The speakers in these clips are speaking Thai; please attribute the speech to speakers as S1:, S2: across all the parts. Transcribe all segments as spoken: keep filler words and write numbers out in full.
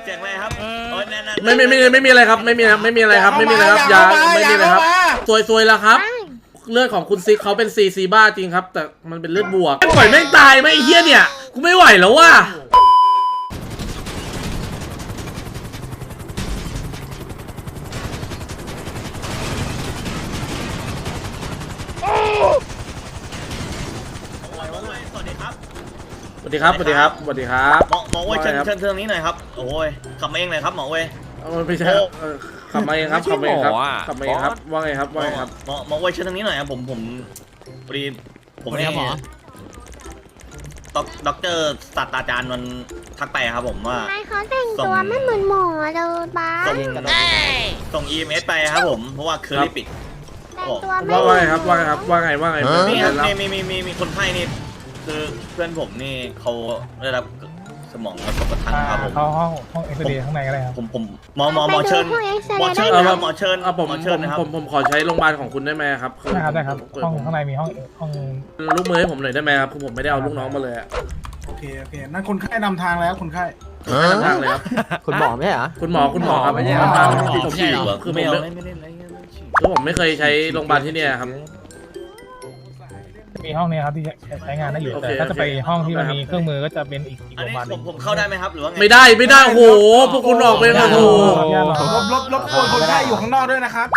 S1: สียงอะไรครับโอ้ยนั่น
S2: ไม่ไม่ไม่ไม่มีอะไรครับไม่มีครับไม่มีอะไรครับไม่มีอะไรครับยาไม่มีอะไรครับซวยซวยแล้วครับเลือดของคุณซิกเขาเป็นซีซีบ้าจริงครับแต่มันเป็นเลือดบวกปล่อยแม่งตายไหมไอ้เหี้ยเนี่ยกูไม่ไหวแล้วว่ะ
S1: สวัสดีครับ
S2: สวัสดีครับสวัสดีครับสวัสดีครับ
S1: หมอหมอเว้ยเชิญเชิญเชิญนี้หน่อยครับโอ้ยขับมาเองเลยครับหมอเว้ย
S2: ไม่ใช่ขับมาเองครับขับมาเองครับขับมาเองครับว่าไงครับว่าไงครับ
S1: หมอหมอเว้ยเชิญทางนี้หน่อยครับผมผมพอดีผมนี่ด็อกด็อกเตอร์ศาสตราจารย์มันทักไปครับผมว่า
S3: ทำไมเขาแต่งตัวไม่เหมือนหมอเลยบ้า
S1: ส่งส่ง อี เอ็ม เอส ไปครับผมเพราะว่าเคอรี่ปิด
S3: แต่งตัวไม่
S2: ว่าว่าไงครับว่าไงครับว่าไงว่าไง
S1: นี่ครับมีมีมีมีคนไข้นี่คือเพื่อนผมนี่เขาได้รับสมองกระทบกระทั่งครับผม
S4: เข้าห้องห้องเอ็กซเรย์ข้างในก็ได้ครับ
S1: ผมผมหมอหมอหมอเชิญหมอเชิญนะครับหมอเชิญ
S2: ผม
S1: หมอ
S2: ผ
S1: เชิญ
S2: ม
S1: นะครับ
S2: ผมผมขอใช้โรงพยาบาลของคุณได้ไหมครับ
S4: ได้ครับได้ครับห้องข้างในมีห้องห้อง
S2: ลูกมือให้ผมหน่อยได้ไหมครับคือผมไม่ได้เอาลูกน้องมาเลยอะ
S5: โอเคโอเคนั่นคนไข้นำทางแล้วคนไข้
S2: ทางทางเลยครับ
S6: คุณหมอไม่ใช่เหรอ
S2: คุณหมอคุณหมอครับ
S6: ไม่ใช่
S2: ทาง
S6: หมอ
S2: ที่ผมฉีดคือผม
S1: ไม่เอา
S2: ไม่
S1: ไม่เล่นอะไรเงี้ย
S2: คือผมไม่เคยใช้โรงพยาบาลที่เนี่ยครับ
S4: มีห้องนี้ครับที่ใช้งานได้อยู่
S2: โอเค
S4: แต่ถ้าจะไป
S2: โอเค
S4: ห้องที่มันมีเครื่องมือก็จะเป็นอีกอีก
S1: อัน
S4: โรงพ
S1: นี้
S4: ยาบาลห
S1: ผ
S4: นึ่
S1: ม
S4: ง
S1: ผมเข้าได้ไหมครับหรือว่าไง
S2: ไม่ได้ไม่ได้โอ้โหพวกคุณออกไปนะโอ้โห
S5: ลบลบลบกวนคนไข้อยู่ข้างนอกด้วยนะครับ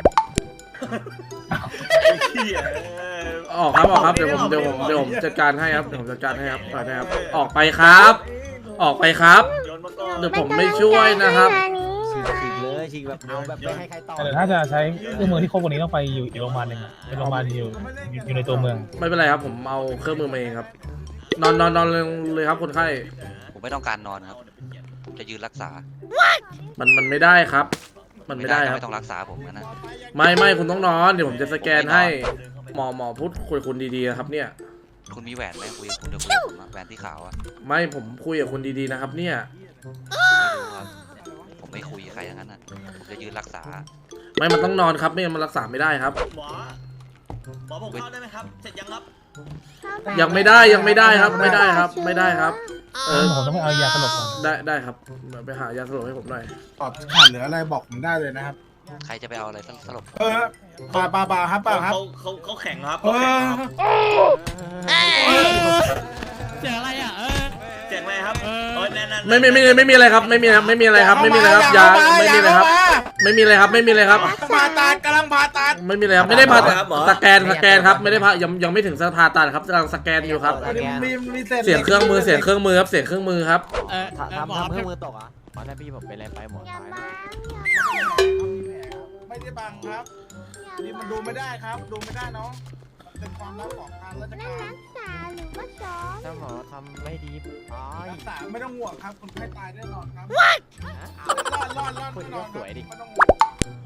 S2: ออกครับออกครับเดี๋ยวผมเดี๋ยวผมเดี๋ยวผมจัดการให้ครับเดี๋ยวผมจัดการให้ครับไปนะครับออกไปครับ ออกไปครับ
S1: โยนมาก่อน
S2: เดี๋ยวผมไม่ช่วยนะครับ
S6: ฉีกฉีกเลยฉีกแบบเอาแบบไม่ให้ใครต่อ
S4: แต่ถ้าจะใช้เครื่องมือที่ครบกว่านี้ต้องไปอยู่อีกโรงพยาบาลหนึ่งเป็นโรงพยาบาลอยู่อยู่ในตัวเมือง
S2: ไม่เป็นไรครับผมเอาเครื่องมือมาเองครับ นอนนอนนอนเลยเลยครับคนไข้
S7: ผมไม่ต้องการนอนครับผมจะยืนรักษา
S2: มันมันไม่ได้ครับ มันไม่ได้ครับ
S7: ไม่ต้องรักษาผมนะ
S2: ไม่ไม่คุณต้องนอนเดี๋ยวผมจะสแกนให้หมอหมอพูดคุยกับคุณดีๆนะครับเนี่ย
S7: คุณมีแหวนไหมคุยกับคุณเดี๋ยวคุยกับผมอะแหวนที่ขาวอะ
S2: ไม่ผมคุยกับคุณดีๆนะครับเนี่ย
S7: ผมไม่คุยกับใครทั้งนั้นนะผมจะยืนรักษา
S2: ไม่มันต้องนอนครับไม่งั้นมันรักษาไม่ได้ครับ
S1: หมอหมอผมเข้าได้ไหมครับเสร็จยังครับ
S2: ยังไม่ได้ยังไม่ได้ครับไม่ได้ครับไม่ได้ครับ เออ
S4: ผมต้องไปเอายาสลบก่อน
S2: ได้ได้ครับไปหายาสลบให้ผมหน่อย
S5: ตอบขาดเหลืออะไรบอกผมได้เลยนะครับ
S7: ใครจะไปเอาอะไรสลบ
S5: เออปลาปลาปลาครับปลาครับ
S1: เขาเขาเขาแข็งครับ
S5: เอ
S1: เขาแข็ง
S5: อ
S1: ครับ
S8: เสียงอะไรอ่ะเออ
S1: เสียงอะไรครับโอ้ยนั่นนั่น
S2: ไม่ไม่ไม่ไม่มีอะไรครับไม่มีครับไม่มีอะไรครับไม่มีอะไรครับยาไม่มีอะไรครับ ไม่มีอะไรครับไม่มีอะไรครับ
S5: ผ่าตัดกำลังผ่าตัด
S2: ไม่มีอะไรครับไม่ได้ผ่าตัดสแกนสแกนครับไม่ได้ผ่ายังยังไม่ถึงผ่าตัดครับกำลังสแกนอยู่ครับ
S5: มีมีเศษ
S2: เสียงเครื่องมือเสียงเครื่องมือครับเสียงเครื่องมือครับ
S8: เออ
S6: ทำทำเครื่องมือตกอ่ะหมอถ้าพี่ผมเป็นอะไรไปหมอ
S3: อย่า
S6: ตาย
S3: มา
S5: ไม่ได้บังครับนี่มันดูไม่ได้ครับ ดูไม่ได้เนาะเป็นความลับของทางราช
S3: นั่น
S5: การ
S3: รักษาหรือว่าซ้อม
S6: ถ้าหมอทำไม่ดีอ๋อ
S5: รักษาไม่ต้องห่วงครับคนไข้ตายแน่นอนครับ
S6: เอา
S5: รอดรอดรอด
S6: คุ
S5: แน่
S6: ณ
S5: น
S6: ก็
S5: อน
S6: สวยดิ
S5: ไม่ต้องห่วง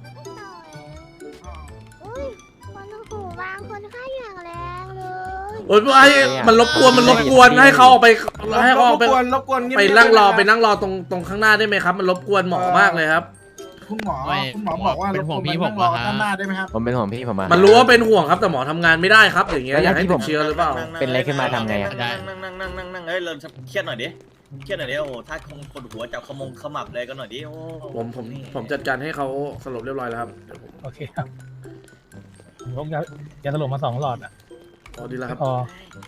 S3: อุ้ยคนหูวางคนไข้อย่างแรงเลย
S2: โอ้ยไอ้มันรบกวนมันรบกวนให้เขาออกไปให้เขาออกไป
S5: รบกวนรบกวนเงียบๆ
S2: ไปนั่งรอ
S5: ด้วยะ
S2: ไปนั่งรอตรงตรงข้างหน้าได้ไหมครับ มันรบกวนหมอมากเลยครับ
S5: คุณหมอคุณหมอบอกว่ารบกวนไปนั่งรอข้างหน้าได้ไหมครับ
S6: ผมเป็นห่วงพี่ผมมา
S2: มันรู้ว่าเป็นห่วงครับแต่หมอทำงานไม่ได้ครับ อย่างเงี้ยอยากให้ติดเชื้อหรือเปล่า
S6: เป็นอะไรขึ้นมาทำไงอะ
S1: นั่งนั่งนั่งนั่งนั่งนั่งเฮ้ยเราเครียดหน่อยดิเครียดหน่อยดิโอ้โหถ้าคงคนหัวจับขมงขมับเลยก็หน่อยดิโอ้
S2: ผมผมผมจัดการให้เขาสลบเรียบร้อยแล้วครับเดี๋ยวผม
S4: โอเคครับผมพกยายาสลบมาสองหลอดอ่ะ
S2: พอดีแล้วครับ
S4: พอ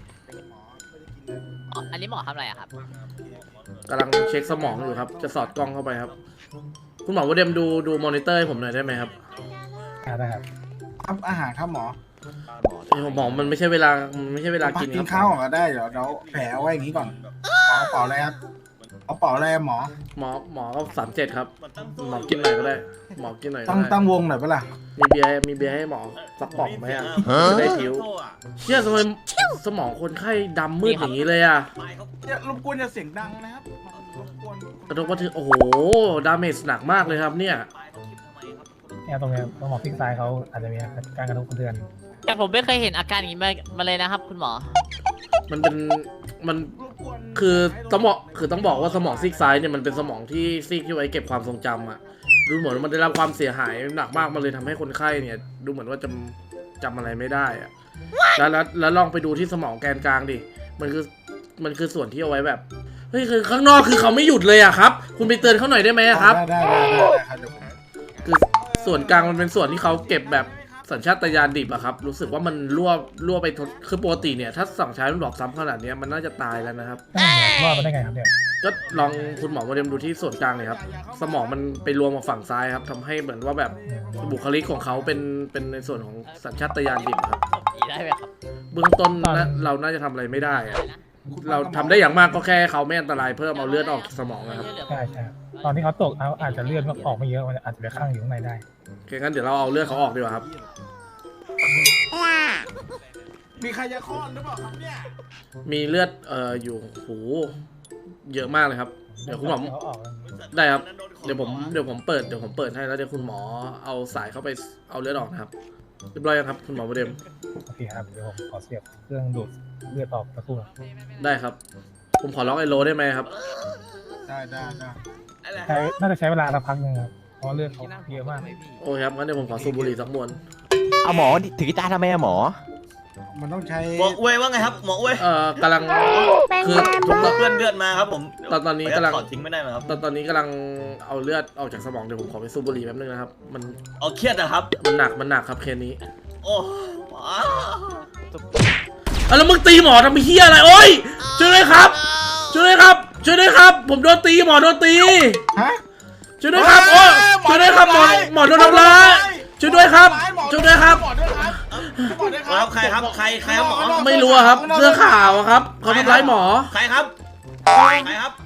S8: อันนี้หมอทำอะไรอะครับ
S2: กำลังเช็คสมองอยู่ครับ จะสอดกล้องเข้าไปครับ คุณหมอว่าเดมดูดูมอนิเตอร์ให้ผมหน่อยได้ไหมครับ
S4: อ่าได้ครับ
S5: ครับอาหารครับหมอ
S2: ไอ้หมอมันไม่ใช่เวลามันไม่ใช่เวลา
S5: พัก
S2: กิน
S5: กิ
S2: คน รับ
S5: ข้าวก่อนก็ได้เดี๋ยวเดี๋ยวแผลเอาไว้อย่างนี้ก่อนหมอเป่าอะไรครับเอาเป่าอะไรหมอ
S2: หมอหมอก็สามเจ็ดครับหมอกินหน่อยก็ได้ หมอกินหน่อยก็
S5: ตั้ง
S2: ได้
S5: ตั้งวงหน่อยเปะล่า
S2: มีเบียร์มีเบียร์ให้หมอสักป๋องไหมอ่ะจะได้ผิวเชี่ยทำไมสมองคนไข้ดำมืดอย่างนี้เลยอ่ะ
S5: อย่ารบกวนอย่าเสียงดังนะครับรบกวน
S2: กระทบกระเทือนโอ้โหดาเมจหนักมากเลยครับเนี่ย
S4: เนี่ยตรงเนี้ยตรงหมอพลิกซ้ายเขาอาจจะมีการกระทบกระเทือน
S8: แต่ผมไม่เคยเห็นอาการอย่างนี้มามาเลยนะครับ คุณหมอ
S2: มันเป็นมัน
S5: รบกวน
S2: คือสมองคือต้องบอกว่าสมองซีกซ้ายเนี่ยมันเป็นสมองที่ซีกที่ไว้เก็บความทรงจำอะดูเหมือนว่ามันได้รับความเสียหายหนักมากมันเลยทำให้คนไข้เนี่ย ดูเหมือนว่าจำจำอะไรไม่ได้อะแล้วแล้วแล้วลองไปดูที่สมองแกนกลางดิมันคือมันคือส่วนที่เอาไว้แบบเฮ้ยคือข้างนอกคือเขาไม่หยุดเลยอะครับ คุณไปเตือนเขาหน่อยได้ไหมอะครับ
S5: ได้ได้ได้ได้ครับเดี๋ยวผม
S2: คือส่วนกลางมันเป็นส่วนที่เขาเก็บแบบสัญชาตญาณดิบอะครับ รู้สึกว่ามันรั่วรั่วไปทดคือปกติเนี่ยถ้าสั่งใช้มันบอกซ้ำขนาดเนี้ยมันน่าจะตายแล้วนะครับ
S4: รอดมาได้ไงครับเนี่ย
S2: ก็ลองคุณหมอมาเรียนดูที่ส่วนกลางเลยครับ สมองมันไปรวมกับฝั่งซ้ายครับทำให้เหมือนว่าแบบบุคลิกของเขาเป็นเป็นในส่วนของสัญชาตญาณดิบครับ
S8: ศพผีได้ไหมครับ
S2: เบื้องต้นนะเราน่าจะทำอะไรไม่ได้อะเราทำได้อย่างมากก็แค่เขาไม่อันตรายเพิ่มเอาเลือดออกจากสมองนะครับ
S4: ใช่ใช่ตอนที่เขาตกเขาอาจจะเลือดออกไม่เยอะมันอาจจะไปข้างอยู่ข้างในได้
S2: โอเคงั้นเดี๋ยวเราเอาเลือดเขาออกดีกว่าครับ
S5: มีใครจะคลอดหรือเปล่าครับเนี่ย
S2: มีเลือดเอ่ออยู่โหเยอะมากเลยครับเดี๋ยวคุณหมอ
S4: เขาออก
S2: ได้ครับเดี๋ยวผมเดี๋ยวผมเปิดเดี๋ยวผมเปิดให้แล้วเดี๋ยวคุณหมอเอาสายเข้าไปเอาเลือดออกนะครับเรียบร้อยยังครับคุณหมอโมเดม
S4: โอเคครับเดี๋ยวผมขอเสียบเครื่องดูดเลือดออกสักครู่
S2: ได้ครับ ผมขอล็อกไอโลได้ไหมครับ
S5: ได้ได้ได้
S4: ใช้น่าจะใช้เวลาสักพักหนึ่งครับเพราะเลือดเขาเยอะมาก
S2: โอ้ยครับงั้นเดี๋ยวผมขอสูบบุหรี่สักมวน
S6: เอาหมอถือกีตาร์ทำไมอะหมอ
S5: มันต้องใช้
S1: หมออวยว่าไงครับหมออวย
S2: เอ่อกำลัง
S3: เป็น
S2: คือ
S3: ไง
S1: ผม
S3: บ้าง
S1: เพื่อนเลือดมาครับผม
S2: ตอนตอนนี้กำลัง
S1: ถอดทิ้งไม่ได้ไหมครับ
S2: ตอนตอนนี้กำลังเอาเลือดออกจากสมองเดี๋ยวผมขอไปสูบบุหรี่แป๊บนึงนะครับมัน
S1: เอาเครียดนะครับ
S2: มันหนักมันหนักครับเคสนี้
S1: โอ้ว้าว
S2: อ่ะแล้วมึงตีหมอทำเฮียอะไรโอ้ยช่วยด้วยครับช่วยด้วยครับช่วยด้วยครับ ผมโดนตีหมอโดนตี
S5: ฮะ
S2: ช่วยด้วยครับโอ้ยช่วยด้วยครับหมอหมอโดนทำร้ายช่วยด้วยครับช่วยด้วยครับ
S5: หมอด้วยครับหมอด้วยค
S1: ค
S5: รั
S1: รั
S5: บบ
S1: ใครครับใครใครครับหมอ
S2: ไม่รู้อะครับเสื้อขาวอะครับเขาทำร้ายหมอ
S1: ใครครับใครครับ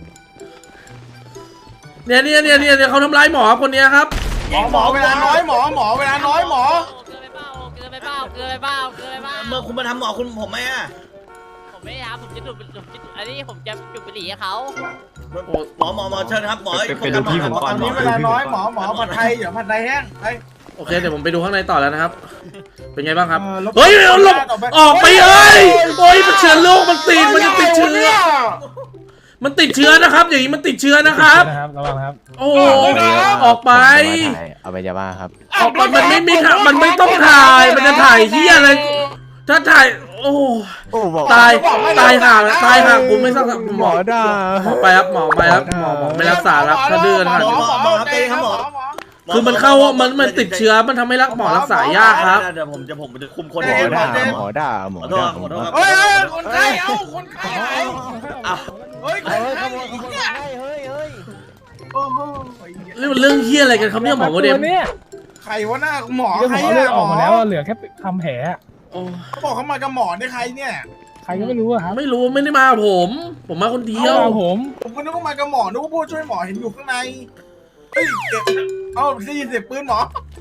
S2: เนี่ยเนี่ยเนี่ยเนี่ยเนี่ยเขาทำร้ายหมอคนเนี้ยครับ
S5: หมอหมอเวลาน้อยหมอหมอเวลาน้อยหมอ
S8: เกินไปเปล่าเกินไปเปล่าเกินไปเปล่าเกินไปเปล่า
S1: เมื่อคุณมาทำหมอคุณผมไหมอ่ะ
S8: ผมไม่ได้ครับผมจะดูดผมจะอันนี้ผมจะจุดบุหรี่ให้เขา
S1: หมอหมอหมอเชิญครับหมอ
S9: ไปดูพี่ผมก่
S5: ตอนนี้เวลาน้อยหมอหมอผัดไทยเดี๋ยวผัดไทยแห้งไป
S2: โอเคเดี๋ยวผมไปดูข้างในต่อแล้วนะครับ เป็นไงบ้างครับ
S5: เออลบ
S2: เฮ้ยเอาหลบ
S5: ต่อไป
S2: ออกไปเอ้ยโอ้ยมันเชื้อโรคมันติดมันจะติดเชื้อ มันติดเชื้อนะครับ อย่างนี้มันติดเชื้อนะครับ
S4: นะครับระวังนะครับ
S2: โอ้โหออกไป
S6: เอาไปยาบ้าครับ
S2: ออกไปมันไม่มีทางมันไม่ต้องถ่าย มันจะถ่ายเฮียอะไร ถ้าถ่าย โอ้
S6: โอ้บอก
S2: ตายตายห่าแล้วตายห่ากูไม่ต้องหมอ
S6: ด่า
S2: หมอไปครับหมอไปครับหมอหมอไม่รักษาแล้วถ้าเดือน
S5: หม
S2: หัน
S5: อหมอหมอใจครับหมอ
S2: คือมันเข้ามันมันติดเชื้อมันทำให้รักหมอรักษายากครับ
S1: เดี๋ยวผมจะผมจะคุมคน
S6: หมอด่าหมอด่าหมอ
S1: ขอโทษ
S6: ด่า
S1: ขอโทษครับ
S5: เฮ้ยเฮ้ยคนไข้เอาคนไข้หาย
S1: อ่ะ
S5: เฮ้ยคนไข้
S6: เฮ้ยเฮ้ยเฮ้ย
S5: โอ้โห
S2: เรื่องเรื่องเฮียอะไรกันครับเนี่ยหมอโมเดม
S4: เนี่ย
S5: ใครวะหน้าหมอ
S4: เลือด
S5: ใคร
S4: หมอเลือดออกมาแล้วเหลือแค่ทำแผล
S2: โอ้
S5: เขาบอกเขามากับหมอเนี่ยใครเนี่ย
S4: ใครก็ไม่รู้อะครับ
S2: ไม่รู้ไม่ได้มากับผม ผมมาคนเดียว
S4: เอาผม
S5: ผมก็นึกว่ามากับหมอนึกว่าผู้ช่วยหมอเห็นอยู่ข้างในเฮ้ยเก็บเอ้าได้ยินเสียงปืนหมอ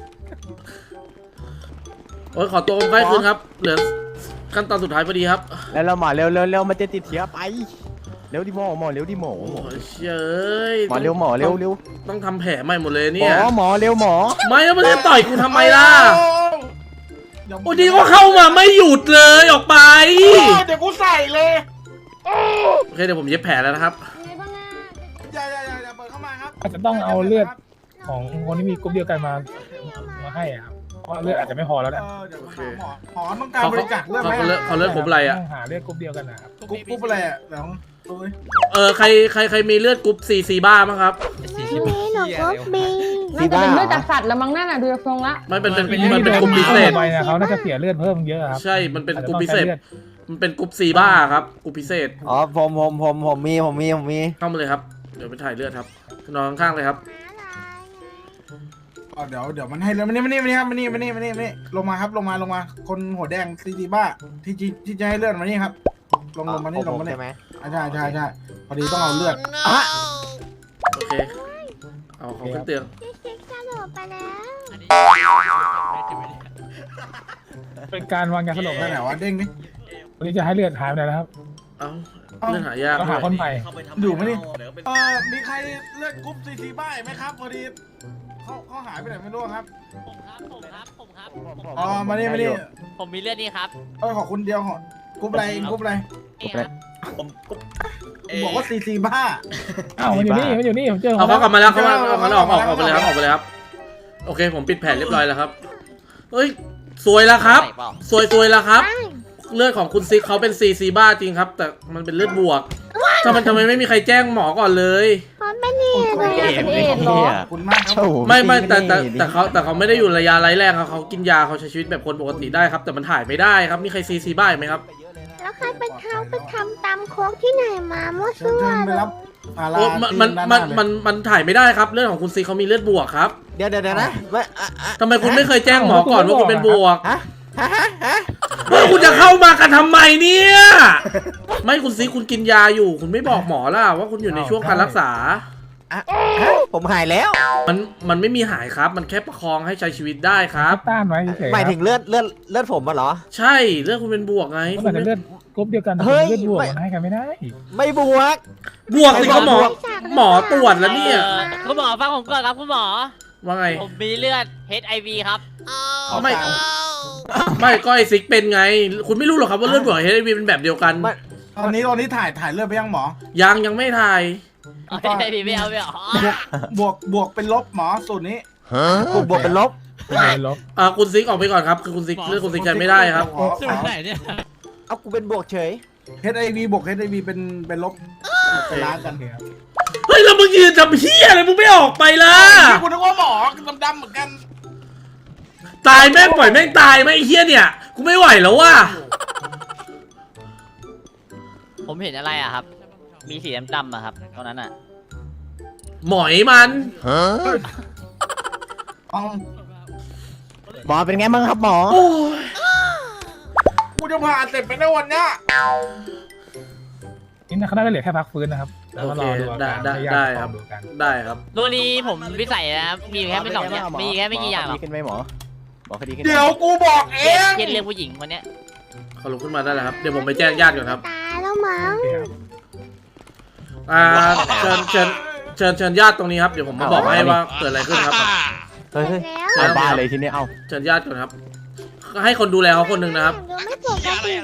S2: โอ้ยขอตัวคนไข้คืนครับ เหลือขั้นตอนสุดท้ายพอดีครับ
S6: แล้วเราหมอเร็วเร็วเร็วมันจะติดเชื้อไปเร็วดิหมอหมอเร็วดิหมอ
S2: โอ้ยเอ้ย
S6: หมอเร็วหมอเร็วเร็ว
S2: ต้องทำแผลใหม่หมดเลย
S6: หม
S2: เนี่ย
S6: อหมอเร็วหมอ
S2: ไม่แล้วมันจะต่อยกูทำไมล่ะ
S5: เดี๋ยว
S2: โอ้ดีก็เข้ามาไม่หยุดเลยออกไป
S5: เดี๋ยวกูใส่เลย
S2: โอเคเดี๋ยวผมเย็บแผลแล้วนะครับ
S3: ไงบ้างอ่ะ
S5: อย่าอย่าอย่าอย่าเปิดเข้ามาครับ
S4: อาจจะต้องเอาเลือดของคนที่มีกรุ๊ปเดียวกันมามาให้อะครับเพราะเลือดอาจจะไม่พอแล้ว
S5: เอ
S4: เนี่ย
S5: อเดี๋ยวหาหมอหมอต้องการบริจาคเลือดไหม
S2: เขาเลือดเขาเลือดผมอะไรอ่ะ
S4: ต้งหาเลือดกรุ๊ปเดียวกันนะครับ
S5: กุ๊บกุ๊บอะไรอ่ะเดี๋ยวดูดิ
S2: เออใครใครใครมีเลือดกรุ๊ปซีซีบ้ามั้งครับ
S3: พี่เมย์หนูก็บี
S6: ซีบ้า
S10: เลือดจากสัตว์แล้วมั้งนั่นน่ะดูจากทรงละ
S2: ไม่เป็นเป็นมันเป็นกรุ๊ปพิเศษ
S4: ไปนะเขาน่าจะเสียเลือดเพิ่มเยอะครับ
S2: ใช่ มันเป็นกรุ๊ปพิเศษ มันเป็นกรุ๊ปซีบ้าครับกรุ๊ปพิเศษ
S6: อ๋อผมผมผมผมมีผมมีผมมี
S2: เข้ามาเลยครับ เดี๋ยวไปถ่ายเลือดครับ นอนข้างๆเลยครับ
S5: อ๋อเดี๋ยวเดี๋ยวมันให้เลยมานี่มานี่มานี่ครับมานี่มานี่มานี่มานี่ลงมาครับลงมาลงมาคนหัวแดงซีจีบ้าที่ที่ที่จะให้เลือดมานี่ครับลงลงมานี่ลงมานี่
S6: ใช่ไหม
S5: อ่ะใช่ใช่ใช่พอดีต้องเอาเลือด
S2: โอเค เอาเขาขึ้นเตียง
S3: พี่ซิกสลบไปแล้ว
S8: อันนี้
S4: เป็นการวางยาสลบ
S5: ได้ไหนวะเด้งดิ
S4: วันนี้จะให้เลือดหายไปไหนแล้วครับ
S2: เอาเลือดหายาก
S4: ต้องหา
S2: ด้วย
S4: คนใหม่
S5: อยู่ไหมนี่เออมีใครเลือดกรุ๊ปซีซีบ้าไหมครับพอดีเขาเขาหายไปไหนไม่รู้ครับ
S8: ผมครับผมครับผมครับ
S5: อ๋อมานี่มานี่
S8: ผมมีเลือดนี่ครับ
S5: เออขอคุณเดียวขอกรุ๊ปอะไรกรุ๊ปอะไร
S8: นี่ครับ
S1: ผมผม
S5: บอกว่าซีซีบ้า
S4: อ้าวมันอยู่นี่มันอยู่นี่ผมเจอ
S2: เอาเขากลับมาแล้วเขามา
S5: เอา
S2: เอา
S5: มา
S2: เขาออกออกออกไปเลยครับออกไปเลยครับ โอเค ผมปิดแผนเรียบร้อยแล้วครับ เฮ้ย สวยแล้วครับ
S8: ใส่เปล่า
S2: สวยสวยแล้วครับ เลือดของคุณซิกเขาเป็นซีซีบ้าจริงครับ แต่มันเป็นเลือดบวก
S3: ว้าย
S2: ทำไมทำไมไม่มีใครแจ้งหมอก่อนเลย
S3: เขาเป็นเหตุเลย
S10: เอ็มเอ็ดเหรอ
S5: ขอบคุณมากครับ
S6: โอ้โห
S2: ไม่ไม่แต่แต่
S6: นี่
S2: แต่เขาแต่เขาไม่ได้อยู่ระยะไร้แรงครับเขากินยาเขาใช้ชีวิตแบบคนปกติได้ครับ แต่มันถ่ายไม่ได้ครับมีใครซีซีบ้าไหมครับ
S3: แล้วใครไปทำไปทำตามโค้กที่ไหนมามั่ว
S5: เชิญ
S3: ซั่ว
S5: เชิญไป
S3: เลย
S5: รับพารา
S2: โอ้มันมัน
S5: ที่
S2: มัน
S5: ด้าหาเลย
S2: มันมันถ่ายไม่ได้ครับเรื่องของคุณซีเขามีเลือดบวกครับ
S6: เดี๋ยวเดี๋ยวเดี๋ยวนะไม่อ่ะอ่ะ
S2: ทำไมคุณไม่เคยแจ้งหมอก่อนว่าคุณเป็นบวก
S6: ฮะฮะฮะฮะ
S2: เฮ้ยคุณจะเข้ามากันทำไมเนี่ย ไม่คุณซีคุณกินยาอยู่ คุณไม่บอกหมอล่ะว่าคุณอยู่ในช่วงการรักษา
S6: อ่ะฮะผมหายแล้ว
S2: มันมันไม่มีหายครับ มันแค่ประคองให้ใช้ชีวิตได้ครับ
S4: ต้านไว้เฉยๆ
S6: หมายถึงเลือดเลือดเลือดผมมาเหรอ
S2: ใช่เรื่องคุณเป็นบวกไง
S4: ก็
S2: คุ
S4: อา
S2: ณ
S4: จจะ
S2: ไม่
S4: เลือดกรุ๊ปเดียวกัน
S6: เฮ้ย
S4: เลือดบวก
S6: ไม่
S4: มันให้กันไม่ได้
S6: ไม่บวก
S2: บวกสิครับหมอ หมอตรวจแล้วเนี่ย
S8: เออคุณหมอฟังผมก่อนครับคุณหมอ
S2: ว่าไง
S8: ผมมีเลือด เอช ไอ วี ครับ
S2: ไม่ ไม่ก็ไอซิกเป็นไง คุณไม่รู้หรอกครับว่าเลือดบวกเฮวีเป็นแบบเดียวกัน
S6: ไม่
S5: ตอนนี้ตอนนี้ถ่ายถ่ายเลือดไปยังหมอ
S2: ยังยังไม่ถ่าย
S8: เอช ไอ วี ไม่เอาไม่เอา
S5: บวกบวกเป็นลบหมอสูตรนี้
S6: บวกบวกเป็นลบ
S4: เป็นลบ
S2: อ่าคุณซิกออกไปก่อนครับ คือคุณซิกเลือดคุณซิกใช้ไม่ได้ครับ
S5: หมอ
S8: สุดไหนเนี่ย
S6: เอากูเป็นบวกเฉย
S5: เอชไอวีบวกเอชไอวีเป็นเป็นลบไปล้างกัน
S2: เฮ้ยแล้วมึงยืนทำเฮียอะไรมึงไม่ออกไปล่ะ
S5: คุณนึกว่าหมอดำๆเหมือนกัน
S2: ตายแม่งปล่อยแม่งตายไหมไอ้เฮียเนี่ย กูไม่ไหวแล้วว่ะ
S8: ผมเห็นอะไรอะครับ มีสีดำๆอะครับตรงนั้นอะ
S2: หมอยมัน
S5: เอา
S6: หมอเป็นไงบ้างครับหมอ
S2: โอ้ย
S5: กูจะผ่าเสร็จไปในวันเนี้ย
S4: นี่นะเขาได้เหลือแค่พักฟื้นนะครับแล้ว
S2: โอ
S4: ก็
S2: เค
S4: รอดูอา
S2: ได้
S4: การ
S2: ได้
S4: ให้ญา
S2: ได้
S4: ติ
S2: ครับ
S4: ดูกัน
S2: ได้ครับ
S8: ตัวนี้ผมวิสัยนะครับ มีอยู่แค่ไม่สองอย่างมีแค่ไม่กี่อย่างหรอก
S6: ดีขึ้นไหมหมอหมอคดีขึ้นไหม
S5: เดี๋ยวกูบอกเอ
S8: เช่น
S5: ง
S8: เช่นเรื่องผู้หญิงคนเนี้ย
S2: เขาลุกขึ้นมาได้แล้วครับ เดี๋ยวผมไปแจ้งญาติก่อนครับ
S3: ตายแล้วมั้ง
S2: อ่า เชิญเชิญเชิญเชิญญาติตรงนี้ครับ เดี๋ยวผมมาบอกให้ว่าเกิดอะไรขึ้นครับ
S6: เฮ้ยเฮ้ย
S3: แล้ว
S6: เอาบ้าเลยทีนี้เอ้า
S2: เชิญญาติก่อนครับ ให้คนดูแลเขาคนหนึ่งนะครับ
S3: ดูไม่ปกติ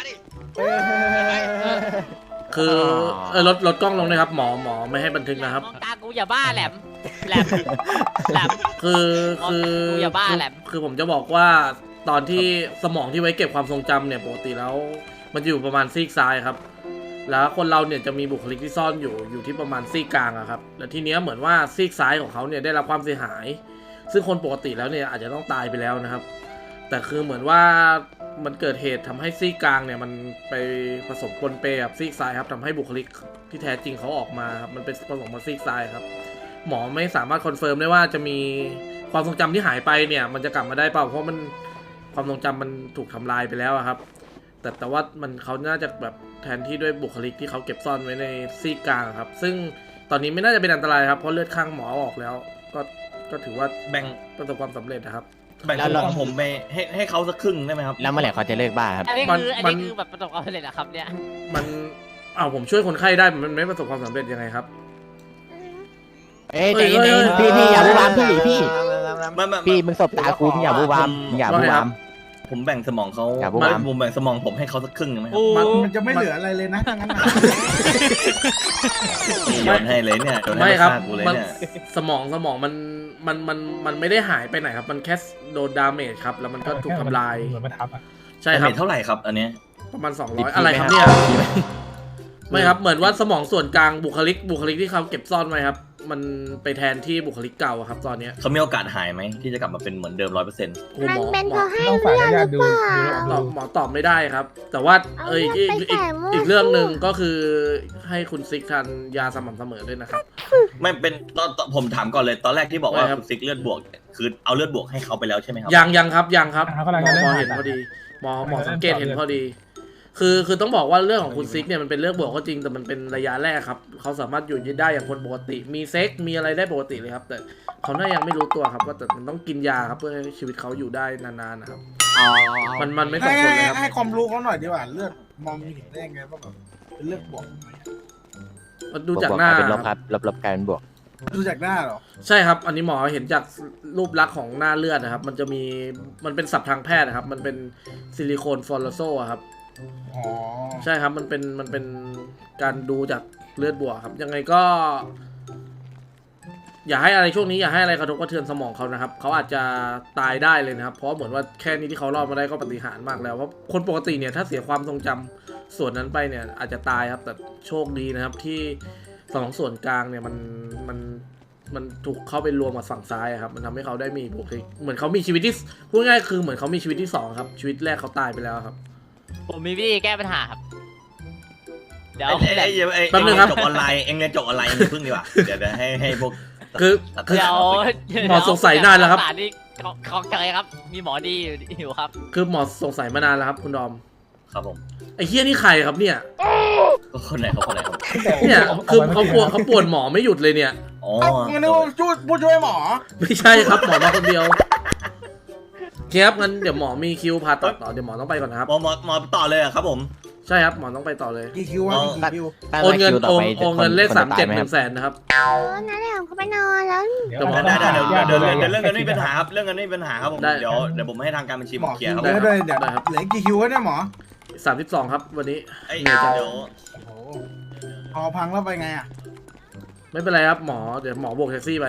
S2: คือเออลดลดกล้องลงเลยครับ หมอหมอไม่ให้บันทึกนะครับ
S8: มองตากูอย่าบ้าแหลม แหลม แหลม
S2: คือคือ
S8: กูอย่าบ้า
S2: คือ
S8: แหละ
S2: คือผมจะบอกว่าตอนที่สมองที่ไว้เก็บความทรงจำเนี่ยปกติแล้วมันจะอยู่ประมาณซีกซ้ายครับ แล้วคนเราเนี่ยจะมีบุคลิกที่ซ่อนอยู่อยู่ที่ประมาณซีกกลางอะครับแล้วทีเนี้ยเหมือนว่าซีกซ้ายของเขาเนี่ยได้รับความเสียหาย ซึ่งคนปกติแล้วเนี่ยอาจจะต้องตายไปแล้วนะครับ แต่คือเหมือนว่ามันเกิดเหตุทำให้ซีกกลางเนี่ยมันไปผสมปนเปกับซีกซ้ายครับทำให้บุคลิกที่แท้จริงเขาออกมาครับมันเป็นผสมมาซีกซ้ายครับ หมอไม่สามารถคอนเฟิร์มได้ว่าจะมีความทรงจำที่หายไปเนี่ยมันจะกลับมาได้เปล่าเพราะมันความทรงจำมันถูกทำลายไปแล้วอะครับ แต่แต่ว่ามันเขาน่าจะแบบแทนที่ด้วยบุคลิกที่เขาเก็บซ่อนไว้ในซีกกลางครับ ซึ่งตอนนี้ไม่น่าจะเป็นอันตรายครับเพราะเลือดข้างหมอออกแล้ว ก็ก็ถือว่า
S1: แบ่ง
S2: ประสบความสำเร็จนะครับ
S1: แบ่งของผมไปให้ให้เขาสักครึ่งได้ไหมครับ
S6: แล้วเมื่อไหร่เขาจะเลิกบ้าครับ
S8: อันนี้
S2: มัน
S8: คืออัน
S2: มั
S8: นี้
S2: น
S8: คือแบบประสบความสำเร็จอะครับเนี่ย
S2: มันเอาผมช่วยคนไข้ได้มันไม่ประสบความสำเร็จยังไงครับ
S6: เอ้ยใจเย็นๆพี่พี่อย่าบูบามพี่พี่
S1: ไม่ไม่
S6: พี่มึงสบตากูมึงอย่าบูบามมึงอย่าบูบาม
S1: ผมแบ่งสมองเขา
S6: อย่าพูด
S1: ไม่
S6: มา
S1: ผมแบ่งสมองผมให้เขาสักครึ่งได้ไหมครับ
S2: มัน
S5: มันจะไม่เหลืออะไรเลยนะถ้างั้นน่ะ
S1: โยนให้เลยเนี่ยโยนให้
S2: ไม่ครับ
S1: ฆ่ากูเลย
S2: มัน
S1: เนี่ย
S2: สมองสมองมันมันมันมันไม่ได้หายไปไหนครับ มันแค่โดนดาเมจครับ แล้วมันก็ถูกทำลาย
S4: เหมือนมาทับอ่ะ
S2: ใช่ครับ
S1: เท่าไหร่ครับ อันเนี้ย
S2: ประมาณสอง
S6: ดิ
S2: ร้
S6: บ
S2: อย
S6: พี่
S2: อะไรครับ
S6: ไหม
S2: เนี่ย
S6: ครับ
S2: ไม่ครับเหมือนว่าสมองส่วนกลางบุคลิกบุคลิกที่เขาเก็บซ่อนไว้ครับ มันไปแทนที่บุคลิกเก่าอะครับ ตอนเนี้ย
S1: เขามีโอกาสหายไหมที่จะกลับมาเป็นเหมือนเดิมร้อยเปอร์เซ็นต์
S2: โอ้
S3: มัน
S2: หมอ
S3: เป็น
S2: หม
S3: เพ
S2: อ
S3: ราะให้
S4: ต้องฝาก
S3: เลือด
S4: ญา
S3: หรื
S4: ติ
S3: อ
S4: ดู
S3: เปล่า
S4: ดู
S2: ตอบหมอตอบไม่ได้ครับ แต่ว่า
S3: เอา
S2: เอ้ย
S3: เลื
S2: อี
S3: อด
S2: ก
S3: ไป
S2: อีก
S3: แตะมั่ว
S2: อีกเรื่องหนึ่ง
S3: สู้
S2: ก็คือให้คุณซิกทานยาสม่ำเสมอด้วยนะครับ
S1: ไม่เป็นตอนตอนผมถามก่อนเลยตอนแรกที่บอกว่า
S2: ไม่ครับ
S1: คุณซิกเลือดบวก คือเอาเลือดบวกให้เขาไปแล้วใช่ไหมครับ
S2: ยังยังครับยังครับ
S4: อ่า
S2: ห
S4: เขากำลัง
S2: มอ
S4: จะเริ่ม
S2: หมอเห็น
S4: ผ่าตัด
S2: พอดีหมอหมอก
S4: ำลังจะ
S2: สังเกต
S4: เริ่ม
S2: เห็น
S4: ต่อ
S2: พอดี คือคือต้องบอกว่าเรื่องของคุณซิกเนี่ยมันเป็นเรื่องบวกก็จริงแต่มันเป็นระยะแรกครับเขาสามารถอยู่ได้อย่างคนปกติ มีเซ็กมีอะไรได้ปกติเลยครับ แต่เขาน่ายังไม่รู้ตัวครับว่าแต่มันต้องกินยาครับเพื่อให้ชีวิตเขาอยู่ได้นานๆนะครับ
S6: อ๋อ
S2: มันมันไม่ส่
S5: ให้
S2: งผล
S5: ให้
S2: เลยครับ
S5: ให้ความรู้เขาหน่อยดีกว่าเลือดมองเห็นได้ไงว่าแบบเป็นเลือดบวก
S2: มันดู
S6: บว
S2: จาก
S6: บวก
S2: หน้า
S6: กลายเป็นลบครับลบลบกลายเป็นบวก
S5: ดูจากหน้าเหรอ
S2: ใช่ครับ อันนี้หมอเห็นจากรูปลักษณ์ของหน้าเลือดนะครับ มันจะมีมันเป็นศัพท์ทางแพทย์นะครับ มันเป็นซิลิโคนฟอลโซครับ
S5: อ๋อ
S2: ใช่ครับ มันเป็น มันเป็นการดูจากเลือดบวกครับ ยังไงก็ อย่าให้อะไรช่วงนี้อย่าให้อะไรกระทบกระเทือนสมองเขานะครับ เขาอาจจะตายได้เลยนะครับ เพราะเหมือนว่าแค่นี้ที่เขารอดมาได้ก็ปาฏิหาริย์มากแล้ว เพราะคนปกติเนี่ยถ้าเสียความทรงจำส่วนนั้นไปเนี่ยอาจจะตายครับแต่โชคดีนะครับที่สองส่วนกลางเนี่ยมันมันมันถูกเข้าไปรวมกับฝั่งซ้ายอะครับมันทำให้เขาได้มีบุคลิกเหมือนเขามีชีวิตที่พูดง่ายๆคือเหมือนเขามีชีวิตที่สองครับชีวิตแรกเขาตายไปแล้วครับ
S8: ผมมีวิธีแก้ปัญหาครับ เดี๋ยว
S1: ไอ้ไอ้ไอ้ไอ้
S2: แป๊บนึ
S1: เอ็
S2: ง
S1: ง
S2: ครับ
S1: จบออนไลน์เอ็งเรียนจบออนไลน์มึงพึ่งดีกว่าเดี๋ยวเดี๋ยวให้ให้พวก
S2: คือ
S1: ตัด
S2: คือ
S8: เดี๋ยว
S2: หมอสงสัยนานแล้วครับ
S8: รักษนี่ของของใจครับ มีหมอดีอยู่ครับ
S2: คือหมอสงสัยมานานแล้วครับคุณดอม
S1: ครับผม
S2: ไอ้เฮียนี่ใครครับเนี่ย
S1: คนไหนเขาคนไหนครับ
S2: เนี่ยคือเขาปวดเขาปวดหมอไม่หยุดเลยเนี่ย
S1: อ๋อ
S5: เอ้างั้นนึกว่าช่วยผู้ช่วยหมอ
S2: ไม่ใช่ครับหมอมาคนเดียวครับงั้นเดี๋ยวหมอมีคิวผ่าตัดต่อเดี๋ยวหมอต้องไปก่อนนะครับ
S1: หมอหมอหมอต่อเลยเหรอครับผม
S2: ใช่ครับหมอต้องไปต่อเลย
S5: กี่คิววะ
S1: อ๋อ
S5: กี่คิว
S2: โอนเงิน
S6: ตั้
S2: โอน
S6: คิวต่
S2: โอนเงินเลขสามเจ็ดหนึ่งแสนนะครับ
S3: เออนั่นแหละผมก็ไปนอนแล้ว
S4: เดี๋ยว
S1: ได้ได้เดี๋ยวเดี๋ยวเดี๋ยวเดี๋ยวเรื่องเงินไม่มี
S4: ปั
S1: ปัญหาครับเรื่องเงินไม่มีปัญหาครับผม
S2: ได้
S1: เดี๋ยวเดี๋ยวผมให้ทางการบัญชี
S5: ห
S1: ผม ม
S5: อ
S1: เค
S5: คิ
S1: ลียร์
S5: ว
S1: ครับ
S5: เยอะเลยเดี๋ยว
S2: ได้ครับ
S5: เหลืออีกกี่คิววะเนี่ยหมอ
S2: สามสิบสองครับวันนี้
S1: เอ้ย
S2: เหนื่อยจัง
S1: เดี๋ยว
S5: โอ้โหพอพังแล้วไปไงอ่ะ
S2: ไม่เป็นไรครับหมอเดี๋ยวหมอโบกแท็กซี่ไป